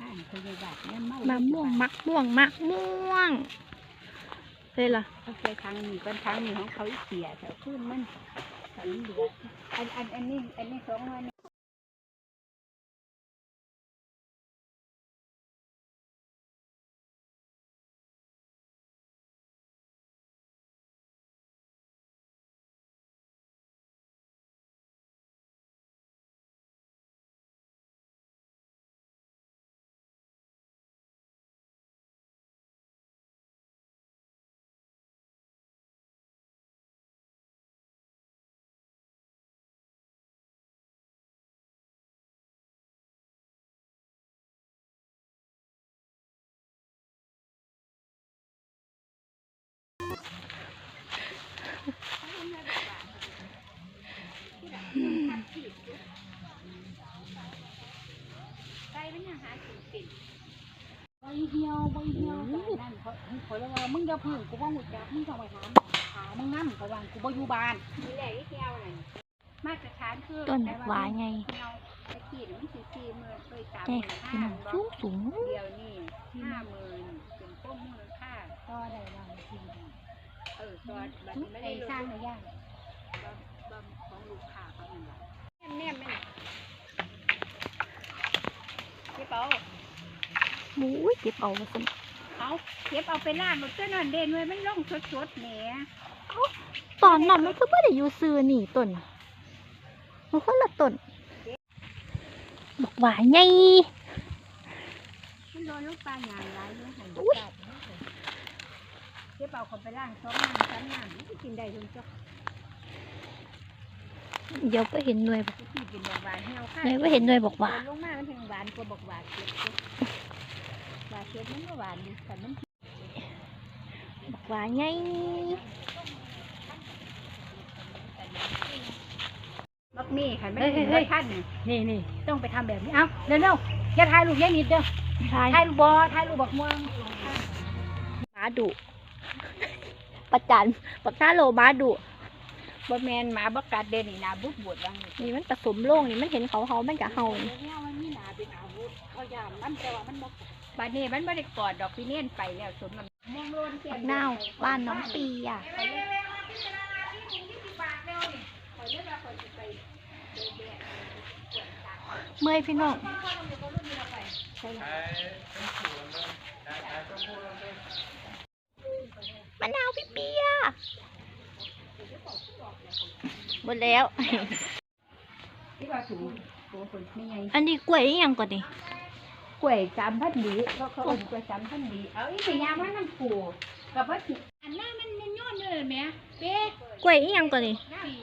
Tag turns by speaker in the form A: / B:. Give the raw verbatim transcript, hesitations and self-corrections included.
A: านพยาบาลเนี่ยเมาม
B: ะม่วงมักม่วงมะม่วงเฮ้ยล่ะ
A: เขาไปทางนี้เป็นทางนี้ของเขาเสียแต่ขึ้นมันอันนี้เหลืออันอันอันนี้อันนี้สองวันใบเหี่ยวใบเหี่ยวนั่นเขาเขาเรียกว่ามึงอย่าพึ่งกูว่าหุ่นจักมึงต้องไปถามหามึงนั่งเขาว่ากูบ่อยู่บ้านนี่แหละไอ้เหี่ยวนั่นมาตรฐานคือ
B: ต้นหวายไง
A: ไอ้ขี้มันสี่สี่หมื่นเคยสามห
B: แม่
A: มื่น
B: พี่
A: ห้า
B: น้องสูงสูง
A: เดียวนี่ห้าหมื่นเป็นพวกมูลค่าก็ได้บางทีเออตอนบัดนี้ไม่ได้สร้างในย่างบางของลูกค้าเขาเนี่ยแน่แน่พี่เป๋า
B: หมูเก็บเอาสิ
A: เอาเก็บเอาไปล่างหมดก็นอนเด่นไว้มันล่องสดๆแหม
B: ตอนนั้นมันคือไม่ได้อยู่ซื้อนี่ต้นมันคนละต้นบอกว่าไง
A: มันโดนลูกปลาหยางร้ายเลยหันไปเก็บเอาคนไปล่างสองน้ำสามน้ำมันกินได้ทุกจ้ะ
B: เดี๋ยวไปเห็นหน่วยบอก
A: กินบอกหวานเหี่ยวค่ะ
B: หน่วยไปเห็นหน่วยบอกว่า
A: ลงมามันถึงหวานกว่าบอกหวานเก็บหวานเก็บมันก็หวานดีแต่มัน
B: บอกว่าไง
A: บักมี่ค่ะไม่ได้ท่านนี่นี่ต้องไปทำแบบนี้เอาเร็วเร็วอย่าถ่ายรูปแย่นิดเด้อถ่ายรูปบอถ่ายรูปบักม่วง
B: หมาดุประจันปักหน้าโลหมาดุ
A: บ่แมนหมาบักกัดเด่นนี่นาบุกบวชบาง
B: นี่มันผสมโล่งนี่มันเห็นเขาเขามันกะเฮา
A: เนี่ยมันมีหนาเป็นอาวุธเขายามมันแต่ว่ามันบักบาดนี้มันไม่ได้กอดดอกพี่เนียนไปแล้วสมมันมองโลนเสีย
B: นาวบ้านน้องปีอ่ะเมื่อยพี่น้องมะนาวพี่เปียหมดแล้วอันนี้กล้วยยังก่อนดิ
A: กล้วยสามพันดีเขาเขาเอากล้วยสามพันดีเอาอีกอย่างว่าน้ำปูกับว่าอันนั้นมันมันย้อนเลยไหมเป๊ะ
B: กล้วยยังก่อนดิ
A: ปี